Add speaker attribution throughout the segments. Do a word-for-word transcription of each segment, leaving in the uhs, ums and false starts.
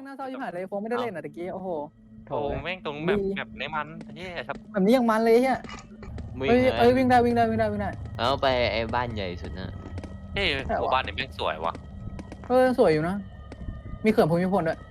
Speaker 1: งน่าเศร้าชิบหายเลยโฟมไม่ได้เล่นอ่ะตะกี้โอ้โห
Speaker 2: โถแม่งตรงแบบแบบในมันเฮียครับ
Speaker 1: แบบนี้ยังมันเลยเฮีย
Speaker 3: วิ่ง
Speaker 1: เอ้ย
Speaker 3: เล
Speaker 1: เอ้ย
Speaker 3: ย
Speaker 1: วิ่งได้วิ่งได้วิ่งได้วิ่งได้
Speaker 3: เอาไปไอ้บ้านใหญ่สุดนะ
Speaker 2: เฮ้ยหมู่บ้านนี่แม่งสวยวะ
Speaker 1: เออสวยอยู่นะมีเขื่อนภูมิพลด้วย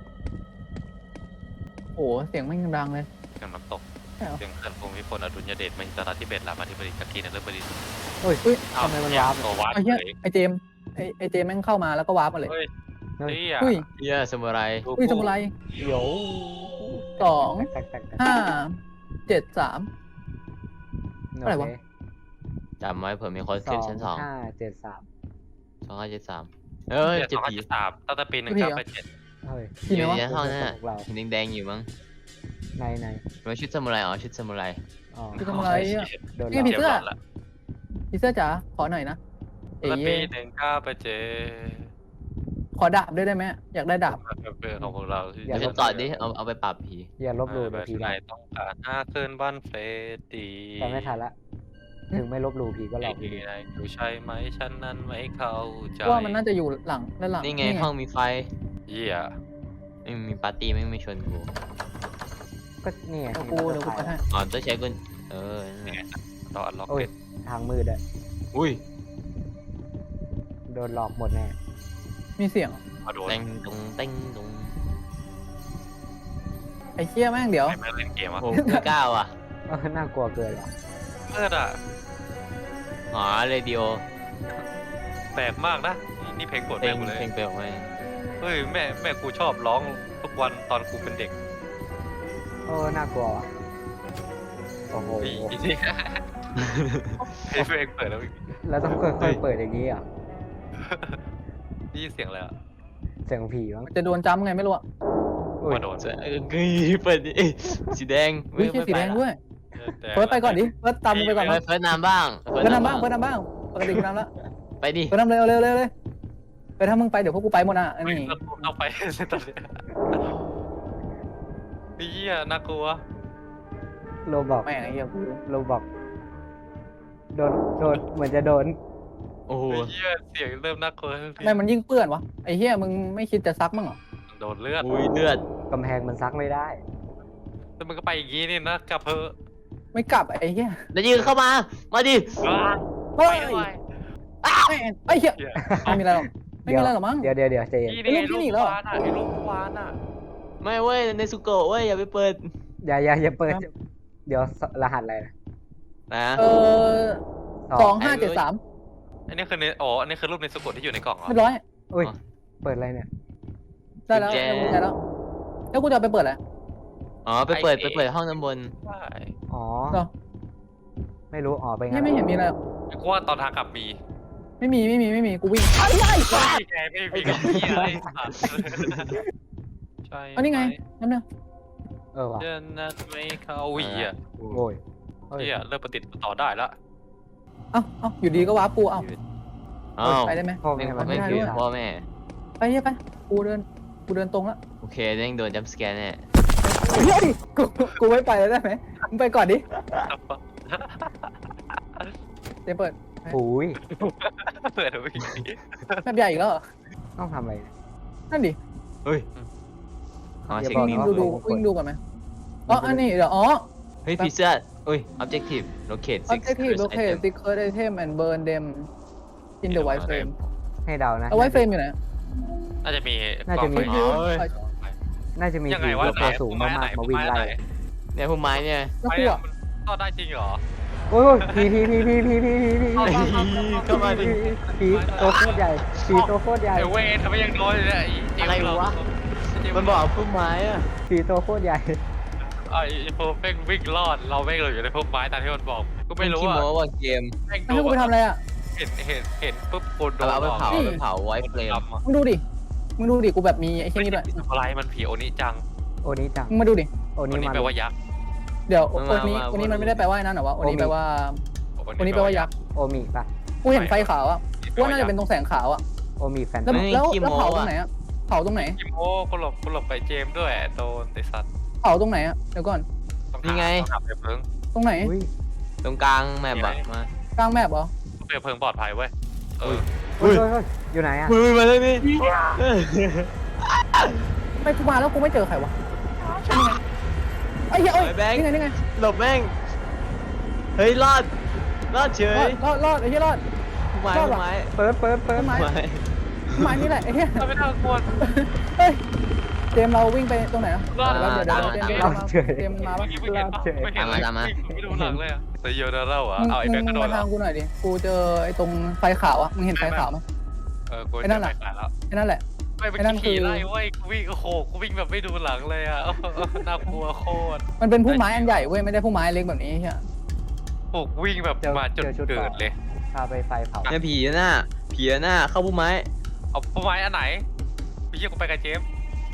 Speaker 1: โอ้เสียงไม่งดังเลย
Speaker 2: เสียงน้ำตก
Speaker 1: ใช่เหรอ
Speaker 2: เสียงเขื่อนภูมิพลอดุลยเดชมหิดลทิเบตรามาธิบดีกักกีนฤบดี
Speaker 1: เฮ้ยเฮ้ย
Speaker 2: อ้าว
Speaker 4: ทำไมมันวาร์ป
Speaker 2: ตัววาร์ป
Speaker 1: ไอ้เหี้ย
Speaker 2: เลย
Speaker 1: ไอ้เจมส์ไอ้ไอ้เจมส์แม่งเข้ามาแล้วก็วาร์ปมาเลย
Speaker 2: เฮ้ย
Speaker 4: เฮ้ย
Speaker 2: เฮีย
Speaker 1: เฮ้ย
Speaker 3: เฮียสมุไร
Speaker 1: เฮ้ยสมุไร
Speaker 4: เดี๋ยว
Speaker 1: สอง
Speaker 4: แตกแตกแตก
Speaker 1: ห้าเจ็ดสาม
Speaker 4: โ
Speaker 1: อะไรวะ
Speaker 4: เค
Speaker 3: จำไว้เผื่อมีคน
Speaker 4: ส
Speaker 3: ขึ้
Speaker 4: อน ง
Speaker 3: ชั้นสอง
Speaker 4: ห้าเจ็ดสาม
Speaker 3: สองห้าเจ็ดสามเอ้ย
Speaker 2: เจ็ด
Speaker 3: เจ็
Speaker 2: ส
Speaker 3: ด
Speaker 2: องห้า
Speaker 3: ผี
Speaker 2: เจ็ดสามตั้งแต่ปีหนึ่งเก้าแปดเจ็ด
Speaker 4: เฮ้ย
Speaker 1: ที่
Speaker 3: อ
Speaker 1: ไหน
Speaker 3: ยู่
Speaker 1: วะ
Speaker 3: ในห้องนั่น
Speaker 4: ข
Speaker 3: น่ะ
Speaker 4: องเรา
Speaker 3: เห็นแดงๆอยู่มั้ง
Speaker 4: ในใน
Speaker 3: มันชุดสมุไรอ๋อชุดสมุไร
Speaker 4: อ๋อ
Speaker 1: คือสมุไรอ่ะ
Speaker 4: โดนห
Speaker 1: นี่
Speaker 4: ลอก
Speaker 1: ผีเสื้อ
Speaker 2: ละ
Speaker 1: พี่เสื้อจ๋าขอหน่อยนะเอ๋
Speaker 2: ตั้งแต่ปีหนึ่งเก้าแปดเจ็ด
Speaker 1: ขอดาบด้วยได้ไหมอยากได้ดาบ
Speaker 2: เพื่อนของพวกเราที่
Speaker 3: เดี๋ยวฉันต่อดิเอาเอาไปปราบผี
Speaker 4: อย่าลบหลู่
Speaker 2: แบ
Speaker 4: เดี๋ยว
Speaker 2: บ
Speaker 4: ผี
Speaker 2: ไหน
Speaker 4: ได้
Speaker 2: ต้องการห้าคืนบ้านเฟรดดี้
Speaker 4: แต่ไม่ทันละ ถึงไม่ลบหลู่ผีก็หลอก
Speaker 2: ไอ้ที่ไหนอยู่ใช่ไหมฉันนั้นไม่เข้าใจ
Speaker 1: ว่ามันน่าจะอยู่หลังด้านหลัง
Speaker 3: นี่ไงห้องมีไฟ
Speaker 2: เหี้ย
Speaker 3: ไม่มีปาร์ตี้ไม่มีชวนกู
Speaker 4: ก็นี่ไง
Speaker 1: เดี๋ยวกูเดี๋ยวกูไปให้
Speaker 3: อ๋อต้องใช้กุญเออนั่น
Speaker 2: นี่
Speaker 3: ไง
Speaker 2: ไงต้องอันล็อก
Speaker 4: โอ้ย
Speaker 2: เป็น
Speaker 4: ทางมืดอะ
Speaker 3: อุ้ย
Speaker 4: โดนหลอกหมดแน่
Speaker 1: มีเสียง
Speaker 2: มาโดน
Speaker 3: เต็งตรงเต็งตรง
Speaker 1: ไอ้เชี่ยแม่งเดี๋ยว
Speaker 2: ใครไม่เล่นเกมวะ
Speaker 3: โอ้ไม่กล้าว่ะ
Speaker 4: เออน่ากลัวเกินว่ะ
Speaker 2: เมื่ออ่ะ
Speaker 3: อ๋อเรดิโอ
Speaker 2: แปลกมากนะนี่นี่เพลงโปรด
Speaker 3: เพล
Speaker 2: แม่
Speaker 3: ง
Speaker 2: กูเลย
Speaker 3: เพลงเปลวไหม
Speaker 2: เฮ้ยแม่แม่กูชอบร้องทุกวันตอนกูเป็นเด็ก
Speaker 4: โอ้น่ากลัวว่ะโอ้โห
Speaker 2: อีอีนี่เพลงเปิดแล้ว
Speaker 4: แล้วต้องค่อยๆเปิดอย่างนี้อ่ะ
Speaker 2: นี่เสียงอะไรอ่ะ
Speaker 4: เสียงผีมั้ง
Speaker 1: จะโดนจ้ำไงไม่รู้อะ
Speaker 4: อุ้ย
Speaker 2: มาโดน
Speaker 3: จะเออเฮ้ยเปิดดิสีแดง
Speaker 1: อุ้ยเชี่ยสีแดง
Speaker 3: ไม่
Speaker 1: ด้วยเฟิร์สไปก่อนดิเฟิร์สตามมึงไปก่อน
Speaker 3: ไป
Speaker 1: นะ
Speaker 3: ละเฟิร์สนำบ้าง
Speaker 1: เฟิร์สนำบ้างเฟิร์สนำบ้างปกติกูนำแล้ว
Speaker 3: ไปดิ
Speaker 1: เฟิร์สนำเลยเอาเร็วเร็วเลยไปถ้ามึงไปเดี๋ยวพวกกูไปหมดอ่ะอัน
Speaker 2: ไม่
Speaker 1: นี้
Speaker 2: ต้องไปตอนนี้เฮียน่ากลัว
Speaker 4: โรบอก
Speaker 1: แม่งไอ้เหี้ยกู
Speaker 4: โรบอกโดนโดนเหมือนจะโดน
Speaker 3: โอ้โห
Speaker 2: เฮียเสียงเริ่มน่ากลัวทุก
Speaker 1: ทำ
Speaker 2: ที
Speaker 1: ไมมันยิ่งเปื้อนวะไอ้เหี้ยมึงไม่คิดจะซักมั้งเหรอ
Speaker 2: โดนเลือด
Speaker 3: อุ้ยเลือด
Speaker 4: กำแพงมันซักไม่ได้
Speaker 2: แล้วมันก็ไปอย่างงี้นี่นะกลับเพอ
Speaker 1: ไม่กลับไอ้เหี้ย
Speaker 3: แล้วยืนเข้ามามาดิ
Speaker 1: เฮ้ย
Speaker 2: ไม่ไหว
Speaker 1: แม่งไอ้เหี้ย
Speaker 2: เหี้ย
Speaker 1: ไม่มีอะไรหรอกไม่มีอะไรหรอกมั้ง
Speaker 4: เดี๋ยวเดี๋ยวเดี๋ยวใจเย็น
Speaker 2: นี่นี่
Speaker 1: ไอ้ลูกที่หนีแล้วเหรอ
Speaker 2: วานอ่ะไอ้ลูกวานอ่ะ
Speaker 3: ไม่เว้ยในสุโกะเว้ยอย่าไปเปิด
Speaker 4: อย่าอย่าอย่าเปิด เดี๋ยวรหัสอะไรนะ
Speaker 3: นะ
Speaker 1: เออสองห้าเจ็ดสาม
Speaker 2: อันนี้คือในอ๋ออันนี้คือรูปในสกุลที่อยู่ในกล่องเหรอ
Speaker 1: เรียบร้อย
Speaker 4: อุ้ยเปิดอะไรเนี่ย
Speaker 1: ได้แล้วได้กุญแจแล้วแล้วกูจะเอาไปเปิดอะไร
Speaker 3: อ๋อไปเปิดไปเปิดห้องน้ำบน
Speaker 2: ใช่
Speaker 4: อ๋อ
Speaker 1: เหรอ
Speaker 4: ไม่รู้อ๋อไป
Speaker 1: ไม่
Speaker 4: งั้น
Speaker 1: ไม่เห็นมีอะไรหรอก
Speaker 2: กูว่าตอนทางกลับมี
Speaker 1: ไม่มีไม่มีไม่มีกูวิ่งไอ้ไอ้สัส
Speaker 2: ไม่ไงไม่มีกับพี่อะไรสัตว์ใช่
Speaker 1: เอานี่ไงนั่นเนี่ย
Speaker 4: เออว่ะ
Speaker 2: เดินนัดไม่เข้าวีอ่ะ
Speaker 4: โอ้ยเฮ้ย
Speaker 2: เฮียเริ่มปฏิติดต่อได้แล้ว
Speaker 1: เอ้าเอ้าอยู่ดีก็ว้าปูเอ้า
Speaker 3: อ้าว
Speaker 1: ไปได้ไหม
Speaker 4: พ่อ
Speaker 3: ไม่
Speaker 4: แม่
Speaker 3: ไม่
Speaker 4: มัน
Speaker 3: คือพ่อแม่
Speaker 1: ไปเหี้ยไปกูเดินกูเดินตรงแล้ว
Speaker 3: โอเคเด้งโดนจัมสแกนแน่
Speaker 1: เฮ้ยกูกูไม่ไปแล้วได้ไหมมึงไปก่อนดิเดี๋ยวเปิด
Speaker 4: หูย
Speaker 2: เปิดวี
Speaker 1: แบบใหญ่อีกแล้วเหรอ
Speaker 4: ต้องทำอะไรเนี่ย
Speaker 1: นั่นดิ
Speaker 3: เฮ้ยอ๋อ
Speaker 4: อย่า
Speaker 3: เช็ค
Speaker 4: บอก
Speaker 3: นิ
Speaker 4: นะ
Speaker 3: ว
Speaker 1: ดูดูวิ่งดูก่อนไหมอ๋ออันนี้เดี๋ยวอ๋อ
Speaker 3: เฮ้ยผีเสื้ออุ้ย objective locate six
Speaker 1: objective
Speaker 3: cursed
Speaker 1: locate
Speaker 3: item
Speaker 1: secret item and burn them in the white frame
Speaker 4: ให้เดานะ
Speaker 1: เอา white frame อยู่ไหน
Speaker 2: น่าจะมี
Speaker 4: น่าจะมี
Speaker 2: กล้องไฟ
Speaker 1: ไป
Speaker 4: น่าจะมี
Speaker 2: ยังไง
Speaker 4: ผี
Speaker 2: วะ
Speaker 4: ตัวสูงมากๆมาวิ่งไล่
Speaker 3: เนี่ยพวกไม้เนี่ย
Speaker 1: แล้ว
Speaker 2: ไฟ
Speaker 1: กู
Speaker 2: อะ
Speaker 1: อ่ะ
Speaker 2: มันก็ได้จริงเหรอ
Speaker 4: โอ้ยผีผีผีผีผีผีผีผี
Speaker 3: เข้ามาดิ
Speaker 4: ผีตัวโคตรใหญ่ผีตัวโคตรใหญ่
Speaker 2: ไอเวททำไมยังโดนเลยเนี่ยไอ้เจมส์
Speaker 3: อะไรวะ มันบอกพวกไม้อะ
Speaker 4: ผีตัวโคตรใหญ่
Speaker 2: ไอ้พวกแม่งวิ่งรอดเราแม่งเลยอยู่ในพวกไม้ตามที่มันบอกก็ไม่รู้
Speaker 3: ขี้
Speaker 2: อ่ะ
Speaker 3: โม้ว่าเกม
Speaker 2: แม่ง
Speaker 1: ให้กูไปทำอะไรอ่ะ
Speaker 2: เห็นเห็นเห็นปุ๊บโกนโด
Speaker 3: เอา
Speaker 2: น
Speaker 3: เอาไปเผา
Speaker 1: นี่
Speaker 3: เอาไปเผาไว้เฟลม
Speaker 2: ดำอ่ะ
Speaker 1: มึงดูดิมึงดูดิกูแบบมีไอ้เช่นนี้ด้วย
Speaker 2: อะไรมันผีโอนิจัง
Speaker 4: โอนี้จัง
Speaker 1: มึงมาดูดิ
Speaker 4: โอ
Speaker 2: โอ
Speaker 4: นี้
Speaker 2: นิ
Speaker 4: มา
Speaker 2: แปลว่ายักษ์
Speaker 1: เดี๋ยวโอนี้โอนี้มันไม่ได้แปลว่านั่นหรอวะโอนี้แปลว่าโอนี้แปลว่ายักษ์
Speaker 4: โอมิปะ
Speaker 1: กูเห็นไฟขาวอ่ะกูว่าน่าจะเป็นตรงแสงขาวอ่ะ
Speaker 4: โอมิแฟน
Speaker 1: แล้วแล้วแล้วเผาตรงไหนอ่ะเผาตรงไหน
Speaker 2: กิโมก็หลบก็หลบไปเจมส์ด้วยโดนไอสัตว์
Speaker 1: เผาตรงไหนอ่ะเดี๋ยวก่อน
Speaker 2: ต้องหาต้องหาเปลวเพลิง
Speaker 1: ตรงไหน
Speaker 4: อุ้ย
Speaker 3: ตรงกลางแมปอะมาก
Speaker 1: ลางแมปเหรอ
Speaker 2: เปลวเพลิงปลอดภัยเว้ยเออ
Speaker 4: เฮ้ยเฮ้ยเฮ้ยอยู่ไหนอะ
Speaker 3: มือมาเลยนี่
Speaker 1: ไม่กูมาแล้วกูไม่เจอใครวะไอ้เหี้ยเอ้ยนี่ไงนี่ไง
Speaker 3: หลบแม่งเฮ้ยรอดรอดเฉ
Speaker 1: รอย ดรอดรอดไอ้เหี้ยรอด
Speaker 3: ผู้ไม้
Speaker 1: รอด
Speaker 3: ผู้
Speaker 1: ว่ะ
Speaker 3: ไม้
Speaker 4: เปิดเปิดเปิด
Speaker 1: ต้นไม้
Speaker 3: ผู้ไม้
Speaker 1: ไม้นี่แหละไอ้เหี้ย
Speaker 2: เราไม่น่ากลัว
Speaker 1: เฮ้ยเจมเราวิ่งไปตรงไหนนะ
Speaker 2: รอด
Speaker 1: เดี๋ยวเดี๋ยวเดี๋ยวเจมเจมมาปะ
Speaker 2: ไม่เห็นปะไม่เห็นเลยไม่ดูหลังเลยอะแต่เยอะนะเราอ่ะ
Speaker 1: มึง
Speaker 2: เอาไอ้
Speaker 1: มึ
Speaker 2: แบ
Speaker 1: ง
Speaker 2: งค์ก็โด
Speaker 1: มาน
Speaker 2: แล้
Speaker 1: ทาง
Speaker 2: ว
Speaker 1: กูหน่อยดิกูเจอไอ้ตรงไฟขาวอะมึงเห็นไฟขาวไหม
Speaker 2: เออกู
Speaker 1: ไอ้นั่
Speaker 2: จะ
Speaker 1: น
Speaker 2: ไป
Speaker 1: น่ะ
Speaker 2: ขายแล้ว
Speaker 1: ไอ้นั่นแหละ
Speaker 2: ไม่เป็น
Speaker 1: ไอ้นั่นคือ
Speaker 2: ขี่ไล่เว้ยกูวิ่งโอ้โหกูวิ่งแบบไม่ดูหลังเลยอ่ะน่ากลัวโคตร
Speaker 1: มันเป็นพุ่มไม้อันใหญ่เว้ยไม่ได้พุ่มไม้เล็กแบบนี้ใช่
Speaker 2: โอ้วิ่งแบบมาจนเกิดเลย
Speaker 4: พาไปไฟเผา
Speaker 3: เนี่ยผีหน้าผีหน้าเข้าผู้ไม้
Speaker 2: เอาต้นไม้อันไหนพี่เชี่ยกูไปกับเจม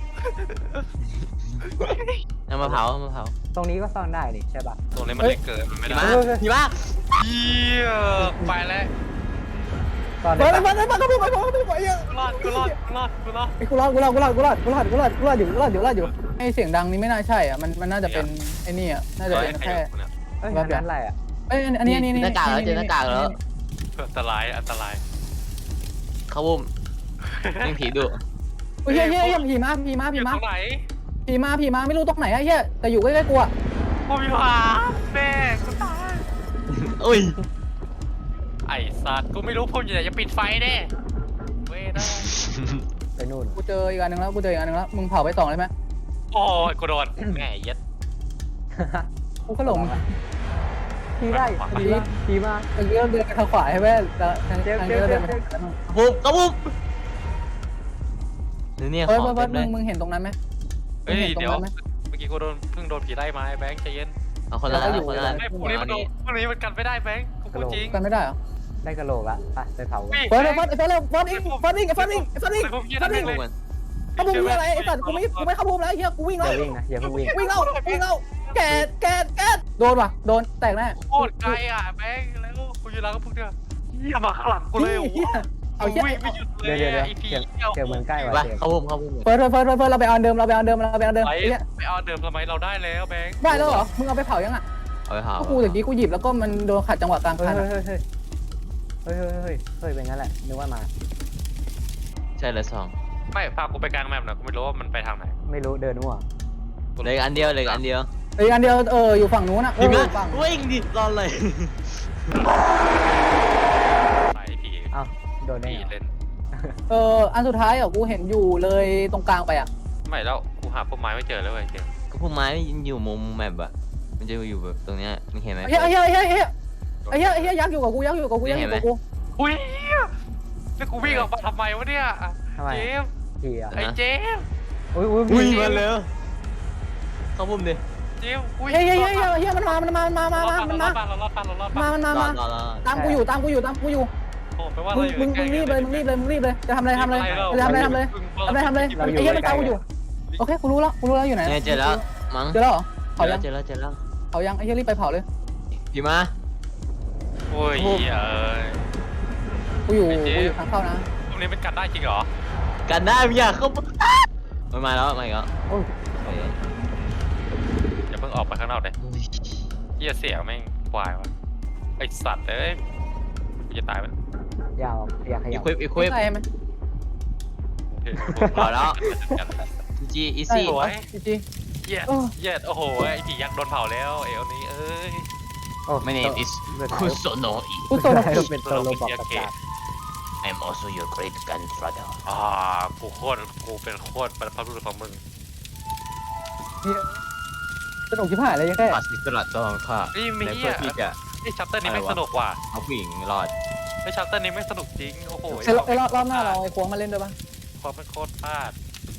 Speaker 3: เอามาเผาเอามาเผา
Speaker 4: ตรงนี้ก็ซ่อนได้นี่ใช่ป่ะ
Speaker 2: ตรงนี้มันเล็กเกินมันไม่
Speaker 3: ผี
Speaker 2: ได้
Speaker 3: มาผีมา
Speaker 2: เยี่ยไปแล้ว
Speaker 4: ซ่อน
Speaker 1: เฮ้
Speaker 4: ได้
Speaker 1: ย
Speaker 4: ปะ
Speaker 1: มันมันก็พุ่งไปพุ่งไปเยอะ
Speaker 2: กูรอดกูรอดกูรอดกูรอด
Speaker 1: ไอ้กูรอดกูรอดกูรอดกูรอดกูรอดกูรอดกูรอดอยู่กูรอดอยู่กูรอดอยู่ไอ้เสียงดังนี้ไม่น่าใช่อ่ะมันมันน่าจะเป็นไอ้นี่อ่ะน่าจะเป็นแค่
Speaker 4: เอ้ยอันนั้นอะไรอ่ะ
Speaker 1: เอ้ยอันนี้อันนี้
Speaker 3: หน้ากากแล้วเจอหน้ากากแล้ว
Speaker 2: อันตรายอันตราย
Speaker 3: เข้าบุ้มยิงผีดุ
Speaker 1: เฮ้ยเฮ้ยเฮ้ยผีมาผีมา
Speaker 2: อ
Speaker 1: ผี
Speaker 2: ยู่
Speaker 1: มา
Speaker 2: ตรงไหน
Speaker 1: ผีมาผีมาไม่รู้ตรงไหนไอ้เหี้ยแต่อยู่ใกล้ๆกูอ่ะ
Speaker 2: กูมีผาแม่กูตาย
Speaker 3: อุ้ย
Speaker 2: ไอ้สัตว์กูไม่รู้พุ่มอยู่ไหนจะปิดไฟแน่เว้ยได้
Speaker 4: ไปนู่น
Speaker 1: กูเจออีกอันหนึ่งแล้วกูเจออีกอันหนึ่งแล้วมึงเผาไปสองเลยไหม
Speaker 2: โอ้ยกูโดนแม่เย็ด
Speaker 1: กูก็หลง
Speaker 4: ขี่ได้ขี่มาขี่มา
Speaker 1: เมื่อกี้เราเดินไปทางขวาใช่ไหมแต่ทางทางนี้เราเดินไปทางขวา
Speaker 3: บุ้มเข้าบุ้มนี่เนี่ยข
Speaker 1: เฮ้ย
Speaker 3: อง
Speaker 1: เฮ้ย
Speaker 3: เต็
Speaker 1: เฮ้ย
Speaker 3: ม เลย
Speaker 1: มึงมึงเห็นตรงนั้นไหม
Speaker 2: เฮ้ย
Speaker 1: มึงห็นตร
Speaker 2: เดี๋ยว
Speaker 1: งนั้นไหม
Speaker 2: เมื่อกี้กูโดนเพิ่งโดนผีไล่มาไอ้แบงค์ใจเย็น
Speaker 3: เอาคนละ
Speaker 1: แล้วก็
Speaker 3: เอา
Speaker 1: อยู่
Speaker 3: คนละ
Speaker 2: ไม่พวกนี้มันโดนพวกนี้มันกันไม่ได้แบงค์กูพูดจริง
Speaker 1: กันไม่ได้เหรอ
Speaker 4: ได้กระโหลกละไปไปเผา
Speaker 2: วิ่ง
Speaker 1: เฮ้ยเฮ้ยเฮ้ยเฮ้ยฟอนอิงฟอนอิงฟอนอิงฟอนอิง
Speaker 2: ไอ้พวกเหี้ย
Speaker 1: ฟอ
Speaker 2: นั่
Speaker 1: น
Speaker 2: น
Speaker 1: อิง
Speaker 2: เลย
Speaker 1: เข้าพุ่มนี่อะไรไอ้สัตว์กูไม่กูไม่เข้าพุ่มแล้วเฮียกูวิ่ง
Speaker 4: อ
Speaker 1: แล้ว
Speaker 4: ย่าวิ่งนะอย่าเพิ่งวิ่ง
Speaker 1: วิ่งแล้ววิ่งแล้วแกดแกดแกดโดนว่ะโดนแตกแน่
Speaker 2: โคตรไกลอ่ะแบงค์แล้วกูอยู่หลังกับพวกเนี้ยเหี้ยมาข้างหลังกูเลยโอ้โห
Speaker 1: เอาเฮีย
Speaker 2: วิ่งไม่หยุดเล
Speaker 4: เดี๋ย
Speaker 2: ยว
Speaker 4: เดี๋ยวเดี๋ยว
Speaker 2: ไอ้ผี
Speaker 4: เก็บ
Speaker 2: เหี้ย
Speaker 4: เก็บเหมือนใกล้ว่ะ
Speaker 3: ไป
Speaker 4: เจม
Speaker 3: เข้าบุ้มเข้าบุ้ม
Speaker 1: เฟิร์สเฟิร์สเฟิร์สเฟิร์สเราไปเอาเดิมเราไปเอาเดิมเราไปเอาเดิม
Speaker 2: ไป
Speaker 1: ไอ้เหี้ย
Speaker 2: ไปเอาเดิมทำไมเราได้แล้วแบงค์
Speaker 1: ได้แล้วเหรอมึงเอาไปเผายังอ่ะ
Speaker 3: เอาไปเผา
Speaker 1: ก็กูตะกี้กูหยิบแล้วก็มันโดนขัดจังหวะกลาง
Speaker 4: เฮ้ย
Speaker 1: คัน
Speaker 4: เฮ้ยเฮ้ยเฮ้ยเฮ้ยเฮ้ยเฮ้ยเป็นงั้นแหละนึกว่ามา
Speaker 3: ใช่เลยสอง
Speaker 2: ไม่พากูไปกลางแมปหน่อยกูไม่รู้ว่ามันไปทางไหน
Speaker 4: ไม่รู้เดินมั่ว
Speaker 3: เหลยอันเดียวเหลยอันเดียว
Speaker 1: ไอ้อันเดียวเอออยู่ฝั่งนู้นนะเอ
Speaker 3: ผี
Speaker 1: อ
Speaker 3: มา
Speaker 1: ฝั่ง
Speaker 3: วิ่งดิรอเลย
Speaker 2: ไปผี
Speaker 4: อ้าวโดนได้
Speaker 2: ผี
Speaker 4: ไง
Speaker 2: เล่น
Speaker 1: เอออันสุดท้ายอ่ะกูเห็นอยู่เลยตรงกลางไปอ่ะ
Speaker 2: ไม่แล้วกูหาพวกไม้ไม่เจอแล้วเว้ยเจม
Speaker 3: ก็ผู้ไม้อยู่มุมแมปอะมันจะอยู่แบบตรงเนี้ยมึงเห็นไหม
Speaker 1: ไอ้เหี้ยไอ้เหี้ยไอ้เหี้ยไอ้เหี้ยไอ้เหี้ยยักษ์อยู่กับกูยักษ์อยู่กับกูยักษ์อยู่กับกู
Speaker 2: อุ้ยแล้วกูวิ่งออกมาทำไมวะเนี่ย
Speaker 4: ทำไม
Speaker 2: เจม
Speaker 4: ขี่อ่ะ
Speaker 2: ไอ้เจม
Speaker 4: อุ้ยอุ้ย
Speaker 3: อุ้ย
Speaker 4: วิ่ง
Speaker 3: มาแล้วเข้าบุ้มดิ
Speaker 2: เจมอุ้ย
Speaker 1: เฮ้ยเฮ้ยเฮ้ยเฮ้ยเฮ้ยมันมามันมามันมามามามันมา
Speaker 2: เราลอดปานเราลอดปาน
Speaker 1: มามันมาร
Speaker 3: อ
Speaker 1: มา
Speaker 3: รอรอ
Speaker 1: ตามกูอยู่ตามกูอยู่ตามกูอยู่
Speaker 2: โอ้แปลว่า
Speaker 1: มึ
Speaker 2: เรา
Speaker 1: ง
Speaker 2: อยู่
Speaker 1: มึง
Speaker 2: ใก
Speaker 1: มึ
Speaker 2: ล้
Speaker 1: งรีบเลยมึงรีบเลยมึงรีบเลยจะทำอะไรทำเลยจะทำอะไรทำเลยทำอะไรทำเลยไอ้เหี้ยมันตามกูอยู่โอเคกูรู้แล้วกูรู้แล้วอยู่ไหน
Speaker 3: เนี่ยเจอแล้วมั้ง
Speaker 1: เจอแล้วเหรอ
Speaker 3: เจ
Speaker 1: เผา
Speaker 3: อแล้
Speaker 1: ยั
Speaker 3: ว
Speaker 1: ง
Speaker 3: เจอแล้วเจอแล้ว
Speaker 1: เผายังไอ้เหี้ยรีบไปเผาเลย
Speaker 3: ผีมา
Speaker 2: โอ้ยเอ้ย
Speaker 1: กูอยู่กูอยู่ทางเข้านะ
Speaker 2: ตรงนี้เป็นกันได้จริงเหรอ
Speaker 3: กันได้มึงอยากเข้ามันมาแล้วมาอีกแล้ว
Speaker 4: โอ้ย
Speaker 2: อย่าเพิ่งออกไปข้างนอกเลยเหี้ยเสียแม่งควายวะไอสัตว์เอ้ยกูจะตายมัน
Speaker 4: ยาวอยากข
Speaker 3: อี
Speaker 4: ยับ
Speaker 3: ควิปอีควิป
Speaker 1: ใช่ไหม
Speaker 3: เอาแล้ว จีอีซี่
Speaker 2: สวย
Speaker 1: จริง
Speaker 2: เย็ดเย็ดโอ้โหไอผียักษ์โดนเผาแล้วเอวนี้เอ้ย
Speaker 4: โอ้
Speaker 3: My name is คุโซโนะอิ
Speaker 1: กูโซน
Speaker 4: เป็นโซโลบอกประกาศ
Speaker 3: I'm also your great grandfather
Speaker 2: อ่ากูโคตรกูเป็นโคตรบรรพบุรุษของมึง
Speaker 1: สนุกชิบหายเลยยังแค่
Speaker 3: ปัสสิสระตองค่ะ
Speaker 2: นี่มี
Speaker 3: ใน
Speaker 2: เหี้
Speaker 3: เพื่อย ที่จะ
Speaker 2: ไอชัปเตอร์นี้ไม่สนุกว่ะ
Speaker 3: เอาผู้หญิงรอด
Speaker 2: ไอชัปเตอร์นี้ไม่สนุกจริงโอ้โห
Speaker 1: ไอ้รอบไอ้รอบรอบหน้าเราไอ้ควงมาเล่นด้วยปะ
Speaker 2: ความเป็นโคตรพลาด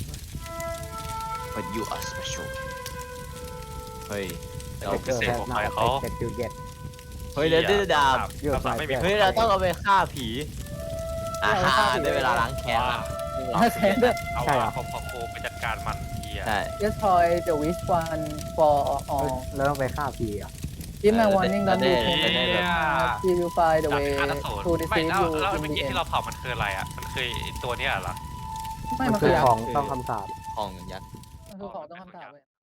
Speaker 3: but you are special เฮ้ย
Speaker 2: เรา
Speaker 3: เรา
Speaker 2: พิเศษของใครเขา
Speaker 4: เจ็ดจุดเจ็ด
Speaker 3: เฮ้ยเดี๋ยวได้ดาบ
Speaker 4: อยู่
Speaker 2: ดาบไม่มี
Speaker 3: เฮ้ยเราต้องเอาไปฆ่าผีอ่าฆ่าได้เวลาล้างแค้น
Speaker 2: ว่า
Speaker 3: ละ
Speaker 1: แค้นด้วย
Speaker 2: เอาว่าของของกูไปจัดการมันเฮีย
Speaker 3: ใช่
Speaker 1: Yes toy the wish one for all
Speaker 4: แล้วต้องไปฆ่าผีอ่ะ
Speaker 1: Give my warning don't do
Speaker 3: ได้
Speaker 1: things He will find the
Speaker 2: ดัก
Speaker 1: way
Speaker 2: ฆ่าตสูตร
Speaker 1: to
Speaker 2: ไม่
Speaker 1: deceive
Speaker 2: แล้ว
Speaker 1: you
Speaker 2: แล้ว
Speaker 1: in
Speaker 2: เมื่อ
Speaker 1: the
Speaker 2: กี้
Speaker 1: end
Speaker 2: ที่เราเผามันคืออะไรอ่ะมันคือไอ้ตัวเนี้ยเหรอ
Speaker 1: ไม่
Speaker 4: มั
Speaker 1: มัน น
Speaker 4: คื
Speaker 1: คือ อ
Speaker 4: ของต้องคำสาป
Speaker 3: ของยักษ์
Speaker 1: มันคือของต้องคำถามเลย